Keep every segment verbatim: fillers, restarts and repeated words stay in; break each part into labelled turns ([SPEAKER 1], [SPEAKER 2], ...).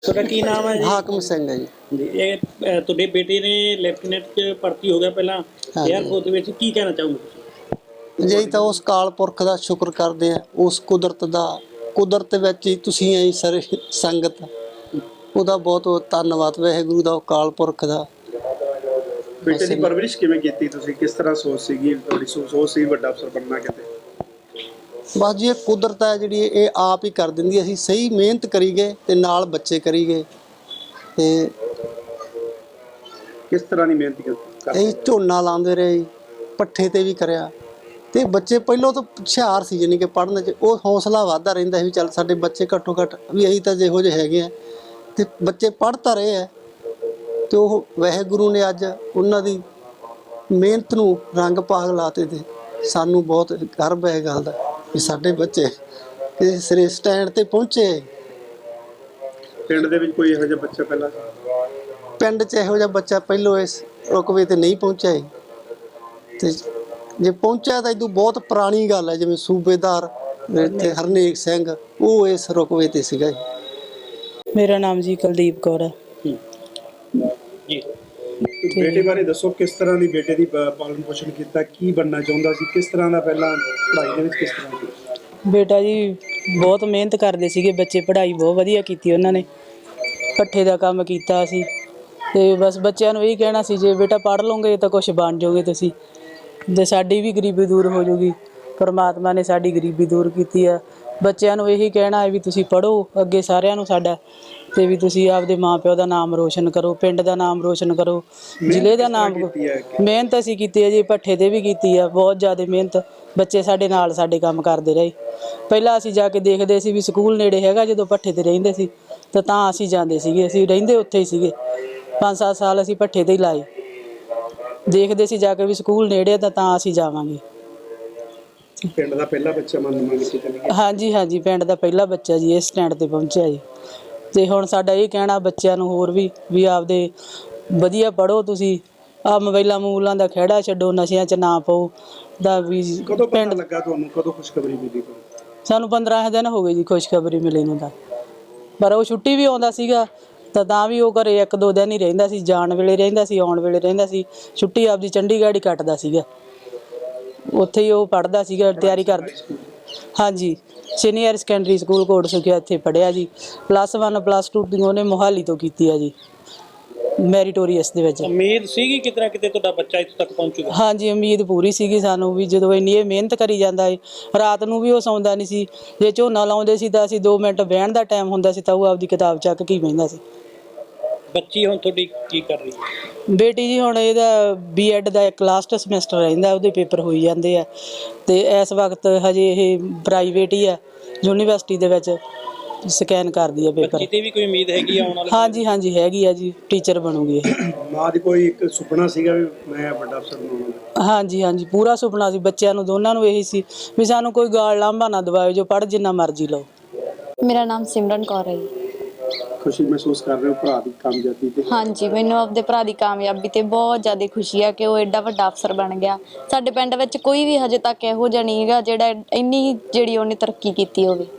[SPEAKER 1] ਤੁਹਾਡਾ ਕੀ ਨਾਮ ਹੈ ਜੀ?
[SPEAKER 2] ਹਾਕਮ ਸਿੰਘ ਹੈ ਜੀ।
[SPEAKER 1] ਜੀ ਇਹ ਅ, ਤੁਹਾਡੇ ਬੇਟੇ ਨੇ ਲੈਫਟੀਨੈਂਟ 'ਚ ਭਰਤੀ ਹੋ ਗਿਆ ਪਹਿਲਾਂ ਏਅਰਫੋਰਸ ਦੇ ਵਿੱਚ, ਕੀ ਕਹਿਣਾ ਚਾਹੋਗੇ ਤੁਸੀਂ?
[SPEAKER 2] ਜੀ ਤਾਂ ਉਸ ਕਾਲ ਪੁਰਖ ਦਾ ਸ਼ੁਕਰ ਕਰਦੇ ਆ, ਉਸ ਕੁਦਰਤ ਦਾ ਕੁਦਰਤ ਵਿੱਚ ਹੀ ਤੁਸੀਂ ਆਈ ਸਾਰੇ ਸੰਗਤ, ਉਹਦਾ ਬਹੁਤ ਬਹੁਤ ਧੰਨਵਾਦ ਵਾਹਿਗੁਰੂ ਦਾ, ਕਾਲ ਪੁਰਖ ਦਾ।
[SPEAKER 3] ਬੇਟੇ ਦੀ ਪਰਵਰਿਸ਼ ਕਿਵੇਂ ਕੀਤੀ ਤੁਸੀਂ? ਕਿਸ ਤਰ੍ਹਾਂ ਸੋਚ ਸੀਗੀ ਤੁਹਾਡੀ? ਸੋਚ ਸੀ ਵੱਡਾ ਅਫਸਰ ਬਣਨਾ ਕਿਤੇ?
[SPEAKER 2] ਬਸ ਜੀ ਇਹ ਕੁਦਰਤ ਹੈ ਜਿਹੜੀ ਇਹ ਆਪ ਹੀ ਕਰ ਦਿੰਦੀ। ਅਸੀਂ ਸਹੀ ਮਿਹਨਤ ਕਰੀ ਗਏ ਤੇ ਨਾਲ ਬੱਚੇ ਕਰੀ ਗਏ ਤੇ
[SPEAKER 3] ਕਿਸ ਤਰ੍ਹਾਂ ਦੀ ਮਿਹਨਤ ਕੀਤੀ?
[SPEAKER 2] ਇਹ ਝੋਨਾ ਲਾਉਂਦੇ ਰਹੇ, ਪੱਠੇ ਤੇ ਵੀ ਕਰਿਆ ਤੇ ਬੱਚੇ ਪਹਿਲਾਂ ਤੋਂ ਹੁਸ਼ਿਆਰ ਸੀ, ਜਾਣੀ ਕਿ ਪੜ੍ਹਨ 'ਚ ਉਹ ਹੌਸਲਾ ਵੱਧਦਾ ਰਹਿੰਦਾ ਸੀ ਵੀ ਚੱਲ ਸਾਡੇ ਬੱਚੇ ਘੱਟੋ ਘੱਟ ਵੀ ਅਸੀਂ ਤਾਂ ਜਿਹੋ ਜਿਹੇ ਹੈਗੇ ਆ, ਤੇ ਬੱਚੇ ਪੜ੍ਹ ਤਾਂ ਰਹੇ ਆ। ਤੇ ਉਹ ਵਾਹਿਗੁਰੂ ਨੇ ਅੱਜ ਉਹਨਾਂ ਦੀ ਮਿਹਨਤ ਨੂੰ ਰੰਗ ਭਾਗ ਲਾਤੇ ਤੇ ਸਾਨੂੰ ਬਹੁਤ ਗਰਵ ਹੈ ਇਹ ਗੱਲ ਦਾ ਵੀ ਸਾਡੇ ਬੱਚੇ ਕਿਸੇ ਸਿਰੇ ਸਟੈਂਡ ਤੇ ਪਹੁੰਚੇ।
[SPEAKER 3] ਪਿੰਡ ਦੇ ਵਿੱਚ ਕੋਈ ਇਹੋ ਜਿਹਾ ਬੱਚਾ ਪਹਿਲਾਂ?
[SPEAKER 2] ਪਿੰਡ 'ਚ ਇਹੋ ਜਿਹਾ ਬੱਚਾ ਪਹਿਲੋਂ ਇਸ ਰੁਕਵੇ ਤੇ ਨਹੀਂ ਪਹੁੰਚਿਆ ਹੈ, ਤੇ ਜੇ ਪਹੁੰਚਿਆ ਤਾਂ ਇਦੋਂ ਬਹੁਤ ਪੁਰਾਣੀ ਗੱਲ ਹੈ। ਜਿਵੇਂ ਸੂਬੇਦਾਰ ਇੱਥੇ ਹਰਨੇਕ ਸਿੰਘ ਉਹ ਇਸ ਰੁਕਵੇ ਤੇ ਸੀਗਾ ਜੀ।
[SPEAKER 4] ਮੇਰਾ ਨਾਮ ਜੀ ਕੁਲਦੀਪ ਕੌਰ ਹੈ
[SPEAKER 1] ਜੀ।
[SPEAKER 3] ਬੇਟੇ ਬਾਰੇ ਦੱਸੋ, ਕਿਸ ਤਰ੍ਹਾਂ ਦੀ ਬੇਟੇ ਦੀ ਪ- ਪਾਲਣ ਪੋਸ਼ਣ ਕੀਤਾ? ਕੀ ਬਣਨਾ ਚਾਹੁੰਦਾ ਸੀ? ਕਿਸ ਤਰ੍ਹਾਂ ਦਾ ਪਹਿਲਾਂ ਪੜ੍ਹਾਈ ਦੇ ਵਿੱਚ ਕਿਸ ਤਰ੍ਹਾਂ ਦੀ?
[SPEAKER 4] ਬੇਟਾ ਜੀ ਬਹੁਤ ਮਿਹਨਤ ਕਰਦੇ ਸੀਗੇ ਬੱਚੇ, ਪੜ੍ਹਾਈ ਬਹੁਤ ਵਧੀਆ ਕੀਤੀ ਉਹਨਾਂ ਨੇ, ਪੱਠੇ ਦਾ ਕੰਮ ਕੀਤਾ ਸੀ ਤੇ ਬਸ ਬੱਚਿਆਂ ਨੂੰ ਇਹ ਕਹਿਣਾ ਸੀ ਜੇ ਬੇਟਾ ਪੜ੍ਹ ਲਓਗੇ ਤਾਂ ਕੁਝ ਬਣ ਜਾਓਗੇ ਤੁਸੀਂ, ਤੇ ਸਾਡੀ ਵੀ ਗਰੀਬੀ ਦੂਰ ਹੋ ਜਾਊਗੀ। ਪਰਮਾਤਮਾ ਨੇ ਸਾਡੀ ਗਰੀਬੀ ਦੂਰ ਕੀਤੀ ਆ। ਬੱਚਿਆਂ ਨੂੰ ਇਹੀ ਕਹਿਣਾ ਹੈ ਵੀ ਤੁਸੀਂ ਪੜ੍ਹੋ ਅੱਗੇ ਸਾਰਿਆਂ ਨੂੰ ਸਾਡਾ, ਤੇ ਵੀ ਤੁਸੀਂ ਆਪਦੇ ਮਾਂ ਪਿਓ ਦਾ ਨਾਮ ਰੋਸ਼ਨ ਕਰੋ, ਪਿੰਡ ਦਾ ਨਾਮ ਰੋਸ਼ਨ ਕਰੋ, ਜ਼ਿਲ੍ਹੇ ਦਾ ਨਾਮ। ਮਿਹਨਤ ਅਸੀਂ ਕੀਤੀ ਹੈ ਜੀ, ਪੱਠੇ 'ਤੇ ਵੀ ਕੀਤੀ ਆ ਬਹੁਤ ਜ਼ਿਆਦਾ ਮਿਹਨਤ। ਬੱਚੇ ਸਾਡੇ ਨਾਲ ਸਾਡੇ ਕੰਮ ਕਰਦੇ ਰਹੇ। ਪਹਿਲਾਂ ਅਸੀਂ ਜਾ ਕੇ ਦੇਖਦੇ ਸੀ ਵੀ ਸਕੂਲ ਨੇੜੇ ਹੈਗਾ, ਜਦੋਂ ਪੱਠੇ 'ਤੇ ਰਹਿੰਦੇ ਸੀ ਤਾਂ ਤਾਂ ਅਸੀਂ ਜਾਂਦੇ ਸੀਗੇ, ਅਸੀਂ ਰਹਿੰਦੇ ਉੱਥੇ ਹੀ ਸੀਗੇ। ਪੰਜ ਸੱਤ ਸਾਲ ਅਸੀਂ ਪੱਠੇ 'ਤੇ ਹੀ ਲਾਏ, ਦੇਖਦੇ ਸੀ ਜਾ ਕੇ ਵੀ ਸਕੂਲ ਨੇੜੇ ਤਾਂ ਤਾਂ ਅਸੀਂ ਜਾਵਾਂਗੇ।
[SPEAKER 3] ਪਿੰਡ ਦਾ ਪਹਿਲਾ ਬੱਚਾ ਮੰਨ ਮੰਨ ਕੇ ਚੱਲੀਏ?
[SPEAKER 4] ਹਾਂਜੀ ਹਾਂਜੀ, ਪਿੰਡ ਦਾ ਪਹਿਲਾ ਬੱਚਾ ਜੀ ਇਸ ਸਟੈਂਡ 'ਤੇ ਪਹੁੰਚਿਆ ਜੀ। ਤੇ ਹੁਣ ਸਾਡਾ ਇਹ ਕਹਿਣਾ ਬੱਚਿਆਂ ਨੂੰ ਹੋਰ ਵੀ ਵੀ ਆਪਦੇ ਵਧੀਆ ਪੜ੍ਹੋ ਤੁਸੀਂ, ਆਹ ਮੋਬਾਈਲਾਂ ਮੂਲਾਂ ਦਾ ਖਹਿੜਾ ਛੱਡੋ, ਨਸ਼ਿਆਂ 'ਚ ਨਾ ਪਾਓ ਦਾ ਵੀ।
[SPEAKER 3] ਕਦੋਂ ਪਤਾ ਲੱਗਾ ਤੁਹਾਨੂੰ? ਕਦੋਂ ਖੁਸ਼ਖਬਰੀ ਮਿਲੀ ਤੁਹਾਨੂੰ?
[SPEAKER 4] ਸਾਨੂੰ ਪੰਦਰਾਂ ਦਿਨ ਹੋ ਗਏ ਜੀ ਖੁਸ਼ਖਬਰੀ ਮਿਲੀ ਨੂੰ ਤਾਂ, ਪਰ ਉਹ ਛੁੱਟੀ ਵੀ ਆਉਂਦਾ ਸੀਗਾ ਤਾਂ ਤਾਂ ਵੀ ਉਹ ਘਰੇ ਇੱਕ ਦੋ ਦਿਨ ਹੀ ਰਹਿੰਦਾ ਸੀ, ਜਾਣ ਵੇਲੇ ਰਹਿੰਦਾ ਸੀ, ਆਉਣ ਵੇਲੇ ਰਹਿੰਦਾ ਸੀ। ਛੁੱਟੀ ਆਪਦੀ ਚੰਡੀਗੜ੍ਹ ਹੀ ਕੱਟਦਾ ਸੀਗਾ, ਉੱਥੇ ਹੀ ਉਹ ਪੜ੍ਹਦਾ ਸੀਗਾ, ਤਿਆਰੀ ਕਰਦਾ। ਹਾਂਜੀ, senior secondary school Kot Sukhia ਇੱਥੇ ਪੜ੍ਹਿਆ ਜੀ। ਪਲੱਸ ਵਨ ਪਲੱਸ ਟੂ ਦੀ ਉਹਨੇ ਮੋਹਾਲੀ ਤੋਂ ਕੀਤੀ ਆ ਜੀ, ਮੈਰੀਟੋਰੀਅਸ ਦੇ ਵਿੱਚ।
[SPEAKER 1] ਉਮੀਦ ਸੀਗੀ ਕਿਤੇ ਨਾ ਕਿਤੇ ਤੁਹਾਡਾ ਬੱਚਾ ਇੱਥੇ ਤੱਕ ਪਹੁੰਚੂਗਾ?
[SPEAKER 4] ਹਾਂਜੀ, ਉਮੀਦ ਪੂਰੀ ਸੀਗੀ ਸਾਨੂੰ ਵੀ, ਜਦੋਂ ਇੰਨੀ ਇਹ ਮਿਹਨਤ ਕਰੀ ਜਾਂਦਾ ਏ। ਰਾਤ ਨੂੰ ਵੀ ਉਹ ਸੌਂਦਾ ਨਹੀਂ ਸੀ, ਜੇ ਝੋਨਾ ਲਾਉਂਦੇ ਸੀ ਤਾਂ ਅਸੀਂ ਦੋ ਮਿੰਟ ਬਹਿਣ ਦਾ ਟਾਈਮ ਹੁੰਦਾ ਸੀ ਤਾਂ ਉਹ ਆਪਦੀ ਕਿਤਾਬ ਚੱਕ ਕੇ ਹੀ ਬਹਿੰਦਾ ਸੀ।
[SPEAKER 1] ਬੱਚੀ ਹੁਣ ਤੁਹਾਡੀ ਕੀ ਕਰ ਰਹੀ ਹੈ?
[SPEAKER 4] ਬੇਟੀ ਜੀ ਹੁਣ ਇਹਦਾ ਬੀ ਐਡ ਦਾ ਇੱਕ ਲਾਸਟ ਸਮੈਸਟਰ ਰਹਿੰਦਾ, ਉਹਦੇ ਪੇਪਰ ਹੋਈ ਜਾਂਦੇ ਆ ਤੇ ਇਸ ਵਕਤ ਹਜੇ ਇਹ ਪ੍ਰਾਈਵੇਟ ਹੀ ਆ, ਯੂਨੀਵਰਸਿਟੀ ਦੇ ਵਿੱਚ ਸਕੈਨ ਕਰਦੀ ਆ ਪੇਪਰ।
[SPEAKER 1] ਬੱਚੀ ਤੇ ਵੀ ਕੋਈ ਉਮੀਦ ਹੈਗੀ ਆਉਣ ਵਾਲੇ?
[SPEAKER 4] ਹਾਂਜੀ ਹਾਂਜੀ ਹੈਗੀ ਆ ਜੀ, ਟੀਚਰ ਬਣੂਗੀ ਇਹ।
[SPEAKER 3] ਮਾਂ ਦੀ ਕੋਈ ਇੱਕ ਸੁਪਨਾ ਸੀਗਾ ਵੀ ਮੈਂ ਵੱਡਾ ਅਫਸਰ ਬਣਾਉਣਾ?
[SPEAKER 4] ਹਾਂਜੀ ਹਾਂਜੀ, ਪੂਰਾ ਸੁਪਨਾ ਸੀ ਬੱਚਿਆਂ ਨੂੰ, ਦੋਨਾਂ ਨੂੰ ਇਹੀ ਸੀ ਵੀ ਸਾਨੂੰ ਕੋਈ ਗਾਲ ਲਾਂਭਾ ਨਾ ਦਵਾਇਓ, ਜੋ ਪੜ੍ਹ ਜਿੰਨਾ ਮਰਜ਼ੀ ਲਓ।
[SPEAKER 5] ਮੇਰਾ ਨਾਮ ਸਿਮਰਨ ਕੌਰ ਹੈ ਜੀ।
[SPEAKER 3] ਖੁਸ਼ੀ ਮਹਿਸੂਸ ਕਰ ਰਹੇ ਹੋ ਭਰਾ ਦੀ ਕਾਮਯਾਬੀ ਤੇ?
[SPEAKER 5] ਹਾਂਜੀ, ਮੈਨੂੰ ਆਪਦੇ ਭਰਾ ਦੀ ਕਾਮਯਾਬੀ ਤੇ ਬਹੁਤ ਜ਼ਿਆਦਾ ਖੁਸ਼ੀ ਆ ਕਿ ਉਹ ਐਡਾ ਵੱਡਾ ਅਫਸਰ ਬਣ ਗਿਆ। ਸਾਡੇ ਪਿੰਡ ਵਿੱਚ ਕੋਈ ਵੀ ਹਜੇ ਤੱਕ ਇਹੋ ਜਿਹਾ ਨਹੀਂ ਹੈਗਾ ਜਿਹੜਾ ਇੰਨੀ ਜਿਹੜੀ ਉਹਨੇ ਤਰੱਕੀ ਕੀਤੀ ਹੋਵੇ।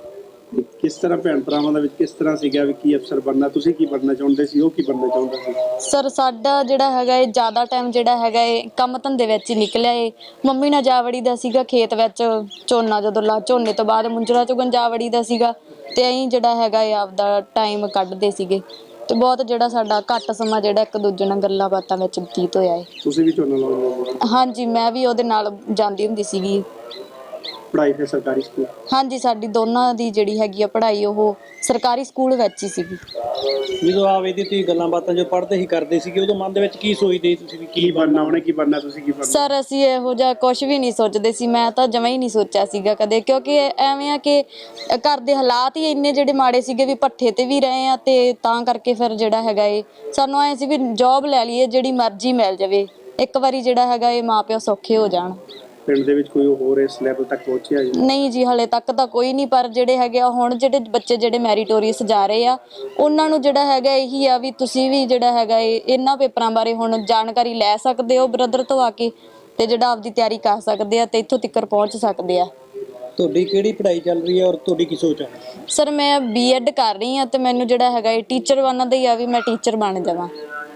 [SPEAKER 3] ਕਿਸ ਤਰ੍ਹਾਂ ਭੈਣ ਭਰਾਵਾਂ ਦੇ ਵਿੱਚ ਕਿਸ ਤਰ੍ਹਾਂ ਸੀਗਾ ਵੀ ਕੀ ਅਫਸਰ ਬਣਨਾ? ਤੁਸੀਂ ਕੀ ਬਣਨਾ ਚਾਹੁੰਦੇ ਸੀ, ਉਹ ਕੀ ਬਣਨਾ ਚਾਹੁੰਦਾ ਸੀ?
[SPEAKER 5] ਸਰ ਸਾਡਾ ਜਿਹੜਾ ਹੈਗਾ ਇਹ ਜ਼ਿਆਦਾ ਟਾਈਮ ਜਿਹੜਾ ਹੈਗਾ ਇਹ ਕੰਮ ਧੰਦੇ ਵਿੱਚ ਹੀ ਨਿਕਲਿਆ ਏ। ਮੰਮੀ ਨਾਲ ਜਾ ਵੜੀ ਦਾ ਸੀਗਾ ਖੇਤ ਵਿੱਚ, ਝੋਨਾ ਜਦੋਂ ਲਾ ਝੋਨੇ ਤੋਂ ਬਾਅਦ ਮੁੰਜਰਾ ਚੁਗਣ ਜਾ ਵੜੀ ਦਾ ਸੀਗਾ, ਤੇ ਅਸੀਂ ਜਿਹੜਾ ਹੈਗਾ ਇਹ ਆਪਦਾ ਟਾਈਮ ਕੱਢਦੇ ਸੀਗੇ। ਤੇ ਬਹੁਤ ਜਿਹੜਾ ਸਾਡਾ ਘੱਟ ਸਮਾਂ ਜਿਹੜਾ ਇੱਕ ਦੂਜੇ ਨਾਲ ਗੱਲਾਂ ਬਾਤਾਂ ਵਿੱਚ ਬਤੀਤ ਹੋਇਆ ਏ।
[SPEAKER 3] ਤੁਸੀਂ ਵੀ ਝੋਨਾ ਲਾਉਂਦੇ ਹੋ?
[SPEAKER 5] ਹਾਂਜੀ, ਮੈਂ ਵੀ ਉਹਦੇ ਨਾਲ ਜਾਂਦੀ ਹੁੰਦੀ ਸੀਗੀ।
[SPEAKER 3] ਪੜ੍ਹਾਈ ਫਿਰ ਸਰਕਾਰੀ ਸਕੂਲ?
[SPEAKER 5] ਹਾਂਜੀ, ਸਾਡੀ ਦੋਨਾਂ ਦੀ ਜਿਹੜੀ ਹੈਗੀ ਆ ਪੜ੍ਹਾਈ ਉਹ ਸਰਕਾਰੀ ਸਕੂਲ ਵਿੱਚ ਹੀ ਸੀਗੀ।
[SPEAKER 1] ਜਦੋਂ ਆਪ ਇਹਦੀ ਤੁਸੀਂ ਗੱਲਾਂ ਬਾਤਾਂ ਜੋ ਪੜ੍ਹਦੇ ਹੀ ਕਰਦੇ ਸੀਗੇ, ਉਦੋਂ ਮਨ ਦੇ ਵਿੱਚ ਕੀ ਸੋਚਦੇ ਤੁਸੀਂ ਵੀ
[SPEAKER 3] ਕੀ ਬਣਨਾ, ਉਹਨੇ ਕੀ ਬਣਨਾ, ਤੁਸੀਂ ਕੀ ਬਣਨਾ?
[SPEAKER 5] ਸਰ ਅਸੀਂ ਇਹੋ ਜਿਹਾ ਕੁਝ ਵੀ ਨਹੀਂ ਸੋਚਦੇ ਸੀ, ਮੈਂ ਤਾਂ ਜਮਾਂ ਹੀ ਨਹੀਂ ਸੋਚਿਆ ਸੀਗਾ ਕਦੇ, ਕਿਉਂਕਿ ਐਵੇਂ ਆ ਕਿ ਘਰ ਦੇ ਹਾਲਾਤ ਹੀ ਇੰਨੇ ਜਿਹੜੇ ਮਾੜੇ ਸੀਗੇ ਵੀ ਭੱਠੇ ਤੇ ਵੀ ਰਹੇ ਆ, ਤੇ ਤਾਂ ਕਰਕੇ ਫਿਰ ਜਿਹੜਾ ਹੈਗਾ ਇਹ ਸਾਨੂੰ ਐਂ ਸੀ ਵੀ ਜੌਬ ਲੈ ਲਈਏ ਜਿਹੜੀ ਮਰਜ਼ੀ ਮਿਲ ਜਾਵੇ, ਇੱਕ ਵਾਰੀ ਜਿਹੜਾ ਹੈਗਾ ਇਹ ਮਾਂ ਪਿਓ ਸੌਖੇ ਹੋ ਜਾਣ।
[SPEAKER 3] ਪਿੰਡ ਦੇ ਵਿੱਚ ਕੋਈ ਹੋਰ ਇਸ ਲੈਵਲ ਤੱਕ ਪਹੁੰਚਿਆ ਜੀ?
[SPEAKER 5] ਨਹੀਂ ਜੀ, ਹਲੇ ਤੱਕ ਤਾਂ ਕੋਈ ਨਹੀਂ, ਪਰ ਜਿਹੜੇ ਹੈਗੇ ਆ ਹੁਣ ਜਿਹੜੇ ਬੱਚੇ ਜਿਹੜੇ ਮੈਰੀਟੋਰੀਅਸ ਜਾ ਰਹੇ ਆ ਉਹਨਾਂ ਨੂੰ ਜਿਹੜਾ ਹੈਗਾ ਇਹੀ ਆ ਵੀ ਤੁਸੀਂ ਵੀ ਜਿਹੜਾ ਹੈਗਾ ਇਹ ਇਹਨਾਂ ਪੇਪਰਾਂ ਬਾਰੇ ਹੁਣ ਜਾਣਕਾਰੀ ਲੈ ਸਕਦੇ ਹੋ ਬ੍ਰਦਰ ਤੋਂ ਆ ਕੇ, ਤੇ ਜਿਹੜਾ ਆਪਦੀ ਤਿਆਰੀ ਕਰ ਸਕਦੇ ਆ ਤੇ ਇੱਥੋਂ ਤੱਕ ਪਹੁੰਚ ਸਕਦੇ ਆ।
[SPEAKER 1] ਤੁਹਾਡੀ ਕਿਹੜੀ ਪੜ੍ਹਾਈ ਚੱਲ ਰਹੀ ਹੈ ਔਰ ਤੁਹਾਡੀ ਕੀ ਸੋਚ ਹੈ?
[SPEAKER 5] ਸਰ ਮੈਂ ਬੀਐਡ ਕਰ ਰਹੀ ਹਾਂ ਤੇ ਮੈਨੂੰ ਜਿਹੜਾ ਹੈਗਾ ਇਹ ਟੀਚਰ ਬਣਨ ਦਾ ਹੀ ਆ ਵੀ ਮੈਂ ਟੀਚਰ ਬਣ ਜਾਵਾਂ।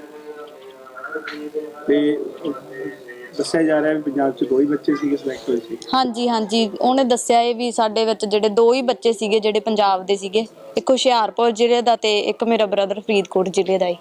[SPEAKER 3] ਤੇ ਦੱਸਿਆ ਜਾ ਰਿਹਾ ਵੀ ਪੰਜਾਬ 'ਚ ਦੋ ਹੀ ਬੱਚੇ ਸੀਗੇ ਸਿਲੈਕਟ ਹੋਏ ਸੀ।
[SPEAKER 5] ਹਾਂਜੀ ਹਾਂਜੀ ਉਹਨੇ ਦੱਸਿਆ ਇਹ ਵੀ ਸਾਡੇ ਵਿੱਚ ਜਿਹੜੇ ਦੋ ਹੀ ਬੱਚੇ ਸੀਗੇ ਜਿਹੜੇ ਪੰਜਾਬ ਦੇ ਸੀਗੇ, ਇੱਕ ਹੁਸ਼ਿਆਰਪੁਰ ਜ਼ਿਲ੍ਹੇ ਦਾ ਤੇ ਇੱਕ ਮੇਰਾ ਬ੍ਰਦਰ ਫਰੀਦਕੋਟ ਜ਼ਿਲ੍ਹੇ ਦਾ ਹੈ।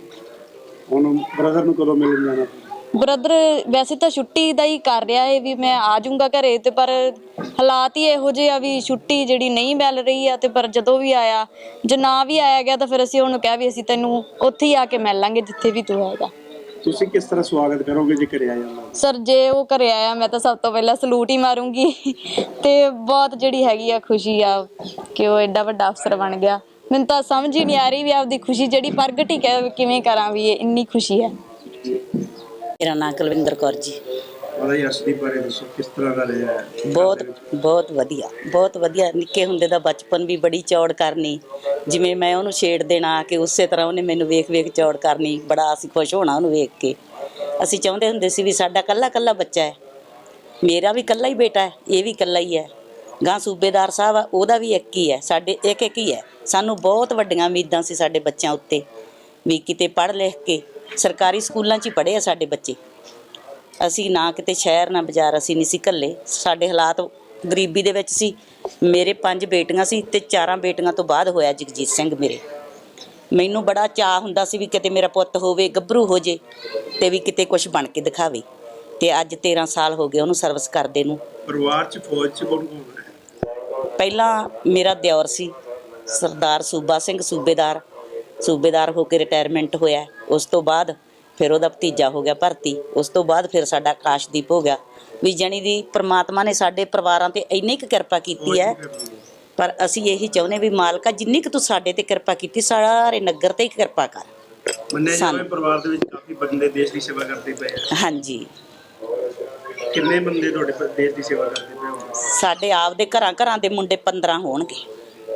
[SPEAKER 3] ਹੁਣ ਬ੍ਰਦਰ ਨੂੰ ਕਦੋਂ ਮਿਲਣ ਜਾਣਾ?
[SPEAKER 5] ਬ੍ਰਦਰ ਵੈਸੇ ਤਾਂ ਛੁੱਟੀ ਦਾ ਹੀ ਕਰ ਰਿਹਾ ਹੈ ਵੀ ਮੈਂ ਆ ਜਾਊਂਗਾ ਘਰੇ, ਤੇ ਪਰ ਹਾਲਾਤ ਹੀ ਇਹੋ ਜਿਹੇ ਆ ਵੀ ਛੁੱਟੀ ਜਿਹੜੀ ਨਹੀਂ ਮਿਲ ਰਹੀ ਆ। ਤੇ ਪਰ ਜਦੋਂ ਵੀ ਆਇਆ, ਜੇ ਨਾ ਵੀ ਆਇਆ ਗਿਆ ਤਾਂ ਫਿਰ ਅਸੀਂ ਉਹਨੂੰ ਕਿਹਾ ਵੀ ਅਸੀਂ ਤੈਨੂੰ ਉੱਥੇ ਹੀ ਆ ਕੇ ਮਿਲ ਲਾਂਗੇ ਜਿੱਥੇ ਵੀ ਤੂੰ ਹੈਗਾ।
[SPEAKER 3] ਤੁਸੀਂ ਕਿਸ ਤਰ੍ਹਾਂ ਸਵਾਗਤ ਕਰੋਗੇ ਜੇ ਘਰੇ ਆ ਜਾਂਦਾ?
[SPEAKER 5] ਸਰ ਜੇ ਉਹ ਘਰੇ ਆਇਆ ਮੈਂ ਤਾਂ ਸਭ ਤੋਂ ਪਹਿਲਾਂ ਸਲੂਟ ਹੀ ਮਾਰੂੰਗੀ ਤੇ ਬਹੁਤ ਜਿਹੜੀ ਹੈਗੀ ਆ ਖੁਸ਼ੀ ਆ ਕਿ ਉਹ ਐਡਾ ਵੱਡਾ ਅਫਸਰ ਬਣ ਗਿਆ। ਮੈਨੂੰ ਤਾਂ ਸਮਝ ਹੀ ਨਹੀਂ ਆ ਰਹੀ ਵੀ ਆਪਦੀ ਖੁਸ਼ੀ ਜਿਹੜੀ ਪ੍ਰਗਟ ਹੀ ਕਿਵੇਂ ਕਰਾਂ, ਵੀ ਇਹ ਇੰਨੀ ਖੁਸ਼ੀ ਹੈ।
[SPEAKER 6] ਮੇਰਾ ਨਾਂ ਕੁਲਵਿੰਦਰ ਕੌਰ ਜੀ।
[SPEAKER 3] ਉਹਦਾ ਹੀ ਅਰਸ਼ਦੀਪ ਬਾਰੇ ਦੱਸੋ, ਕਿਸ ਤਰ੍ਹਾਂ ਦਾ ਰਿਹਾ ਹੈ?
[SPEAKER 6] ਬਹੁਤ ਬਹੁਤ ਵਧੀਆ, ਬਹੁਤ ਵਧੀਆ। ਨਿੱਕੇ ਹੁੰਦੇ ਦਾ ਬਚਪਨ ਵੀ ਬੜੀ ਚੌੜ ਕਰਨੀ, ਜਿਵੇਂ ਮੈਂ ਉਹਨੂੰ ਛੇੜ ਦੇਣਾ ਕਿ ਉਸੇ ਤਰ੍ਹਾਂ ਉਹਨੇ ਮੈਨੂੰ ਵੇਖ ਵੇਖ ਚੌੜ ਕਰਨੀ। ਬੜਾ ਅਸੀਂ ਖੁਸ਼ ਹੋਣਾ ਉਹਨੂੰ ਵੇਖ ਕੇ। ਅਸੀਂ ਚਾਹੁੰਦੇ ਹੁੰਦੇ ਸੀ ਵੀ ਸਾਡਾ ਕੱਲਾ ਕੱਲਾ ਬੱਚਾ ਹੈ, ਮੇਰਾ ਵੀ ਕੱਲਾ ਹੀ ਬੇਟਾ ਹੈ, ਇਹ ਵੀ ਕੱਲਾ ਹੀ ਹੈ। ਗਾਂ ਸੂਬੇਦਾਰ ਸਾਹਿਬ ਆ, ਉਹਦਾ ਵੀ ਇੱਕ ਹੀ ਹੈ, ਸਾਡੇ ਇੱਕ ਇੱਕ ਹੀ ਹੈ। ਸਾਨੂੰ ਬਹੁਤ ਵੱਡੀਆਂ ਉਮੀਦਾਂ ਸੀ ਸਾਡੇ ਬੱਚਿਆਂ ਉੱਤੇ ਵੀ ਕਿਤੇ ਪੜ੍ਹ ਲਿਖ ਕੇ ਸਰਕਾਰੀ ਸਕੂਲਾਂ 'ਚ ਹੀ ਪੜ੍ਹੇ ਆ ਸਾਡੇ ਬੱਚੇ। ਅਸੀਂ ਨਾ ਕਿਤੇ ਸ਼ਹਿਰ ਨਾ ਬਾਜ਼ਾਰ ਅਸੀਂ ਨਹੀਂ ਸੀ ਘੱਲੇ। ਸਾਡੇ ਹਾਲਾਤ ਗਰੀਬੀ ਦੇ ਵਿੱਚ ਸੀ। ਮੇਰੇ ਪੰਜ ਬੇਟੀਆਂ ਸੀ ਤੇ ਚਾਰਾਂ ਬੇਟੀਆਂ ਤੋਂ ਬਾਅਦ ਹੋਇਆ ਜਗਜੀਤ ਸਿੰਘ ਮੇਰੇ। ਮੈਨੂੰ ਬੜਾ ਚਾਅ ਹੁੰਦਾ ਸੀ ਵੀ ਕਿਤੇ ਮੇਰਾ ਪੁੱਤ ਹੋਵੇ, ਗੱਭਰੂ ਹੋ ਜੇ ਤੇ ਵੀ ਕਿਤੇ ਕੁਝ ਬਣ ਕੇ ਦਿਖਾਵੇ। ਤੇ ਅੱਜ ਤੇਰਾਂ ਸਾਲ ਹੋ ਗਏ ਉਹਨੂੰ ਸਰਵਿਸ ਕਰਦੇ ਨੂੰ।
[SPEAKER 3] ਪਰਿਵਾਰ 'ਚ ਫੌਜ 'ਚ ਕੌਣ ਕੌਣ ਹੈ?
[SPEAKER 6] ਪਹਿਲਾਂ ਮੇਰਾ ਦਿਓਰ ਸੀ ਸਰਦਾਰ ਸੂਬਾ ਸਿੰਘ, ਸੂਬੇਦਾਰ ਸੂਬੇਦਾਰ ਹੋ ਕੇ ਰਿਟਾਇਰਮੈਂਟ ਹੋਇਆ। ਉਸ ਤੋਂ ਬਾਅਦ ਫਿਰ ਉਹਦਾ ਭਤੀਜਾ ਹੋ ਗਿਆ ਭਰਤੀ। ਉਸ ਤੋਂ ਬਾਅਦ ਫਿਰ ਸਾਡਾ ਆਕਾਸ਼ਦੀਪ ਹੋ ਗਿਆ। ਵੀ ਜਾਣੀ ਦੀ ਪ੍ਰਮਾਤਮਾ ਨੇ ਸਾਡੇ ਪਰਿਵਾਰਾਂ ਤੇ ਇੰਨੀ ਕੁ ਕਿਰਪਾ ਕੀਤੀ ਹੈ। ਪਰ ਅਸੀਂ ਇਹੀ ਚਾਹੁੰਦੇ ਵੀ ਮਾਲਕਾ ਜਿੰਨੀ ਕੁ ਤੂੰ ਸਾਡੇ ਤੇ ਕਿਰਪਾ ਕੀਤੀ, ਸਾਰੇ ਨਗਰ ਤੇ ਹੀ ਕਿਰਪਾ ਕਰ।
[SPEAKER 3] ਮੰਨਿਆ ਜਾਵੇ ਪਰਿਵਾਰ ਦੇ ਵਿੱਚ ਕਾਫੀ ਬੰਦੇ ਦੇਸ਼ ਦੀ ਸੇਵਾ ਕਰਦੇ ਪਏ ਆ।
[SPEAKER 6] ਹਾਂਜੀ,
[SPEAKER 3] ਕਿੰਨੇ ਬੰਦੇ ਤੁਹਾਡੇ ਦੇਸ਼ ਦੀ ਸੇਵਾ ਕਰਦੇ ਪਏ ਹੋ?
[SPEAKER 6] ਸਾਡੇ ਆਪਦੇ ਘਰਾਂ ਘਰਾਂ ਦੇ ਮੁੰਡੇ ਪੰਦਰਾਂ ਹੋਣਗੇ।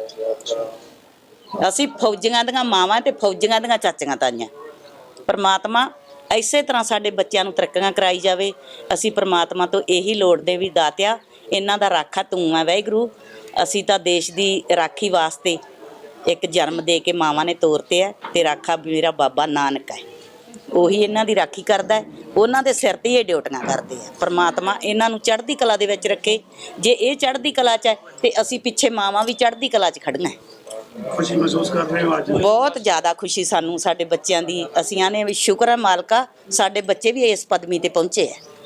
[SPEAKER 6] ਅਸੀਂ ਫੌਜੀਆਂ ਦੀਆਂ ਮਾਵਾਂ ਤੇ ਫੌਜੀਆਂ ਦੀਆਂ ਚਾਚੀਆਂ ਤਾਈਆਂ। ਪਰਮਾਤਮਾ ਇਸੇ ਤਰ੍ਹਾਂ ਸਾਡੇ ਬੱਚਿਆਂ ਨੂੰ ਤਰੱਕੀਆਂ ਕਰਾਈ ਜਾਵੇ। ਅਸੀਂ ਪਰਮਾਤਮਾ ਤੋਂ ਇਹੀ ਲੋੜਦੇ ਵੀ ਦਾਤਿਆ ਇਹਨਾਂ ਦਾ ਰਾਖਾ ਤੂੰ ਆ ਵਾਹਿਗੁਰੂ। ਅਸੀਂ ਤਾਂ ਦੇਸ਼ ਦੀ ਰਾਖੀ ਵਾਸਤੇ ਇੱਕ ਜਨਮ ਦੇ ਕੇ ਮਾਵਾਂ ਨੇ ਤੋਰਤੇ ਹੈ ਤੇ ਰਾਖਾ ਮੇਰਾ ਬਾਬਾ ਨਾਨਕ ਹੈ, ਉਹੀ ਇਹਨਾਂ ਦੀ ਰਾਖੀ ਕਰਦਾ ਹੈ। ਉਹਨਾਂ ਦੇ ਸਿਰ ਤੇ ਇਹ ਡਿਊਟੀਆਂ ਕਰਦੇ ਆ। ਪਰਮਾਤਮਾ ਇਹਨਾਂ ਨੂੰ ਚੜ੍ਹਦੀ ਕਲਾ ਦੇ ਵਿੱਚ ਰੱਖੇ। ਜੇ ਇਹ ਚੜ੍ਹਦੀ ਕਲਾ 'ਚ ਹੈ ਤੇ ਅਸੀਂ ਪਿੱਛੇ ਮਾਵਾਂ ਵੀ ਚੜ੍ਹਦੀ ਕਲਾ 'ਚ ਖੜੀਆਂ।
[SPEAKER 3] ਖੁਸ਼ੀ ਮਹਿਸੂਸ ਕਰ ਰਹੇ ਹੋ ਅੱਜ?
[SPEAKER 6] ਬਹੁਤ ਜ਼ਿਆਦਾ ਖੁਸ਼ੀ ਸਾਨੂੰ ਸਾਡੇ ਬੱਚਿਆਂ ਦੀ। ਅਸੀਂ ਆਨੇ ਵੀ ਸ਼ੁਕਰ ਹੈ ਮਾਲਕਾ, ਸਾਡੇ ਬੱਚੇ ਵੀ ਇਸ ਪਦਵੀ ਤੇ ਪਹੁੰਚੇ ਹੈ।